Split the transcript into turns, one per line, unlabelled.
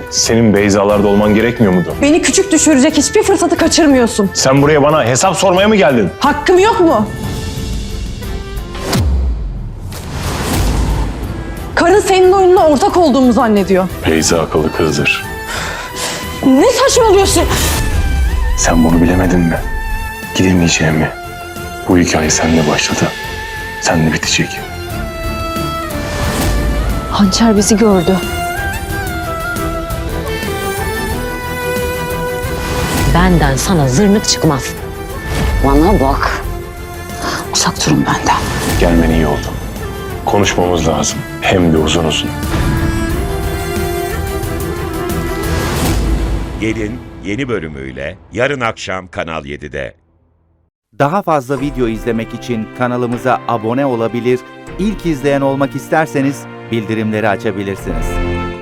Senin Beyza'larda olman gerekmiyor muydu?
Beni küçük düşürecek hiçbir fırsatı kaçırmıyorsun.
Sen buraya bana hesap sormaya mı geldin?
Hakkım yok mu? Karın senin oyununa ortak olduğumu zannediyor.
Beyza akıllı kızdır.
Ne saçmalıyorsun?
Sen bunu bilemedin mi? Gidemeyeceğimi. Bu hikaye seninle başladı. Seninle bitecek.
Hançer bizi gördü.
Benden sana zırnık çıkmaz. Bana bak. Uzak durun benden.
Gelmen iyi oldu. Konuşmamız lazım. Hem de uzun uzun.
Gelin yeni bölümüyle yarın akşam Kanal 7'de.
Daha fazla video izlemek için kanalımıza abone olabilir, ilk izleyen olmak isterseniz bildirimleri açabilirsiniz.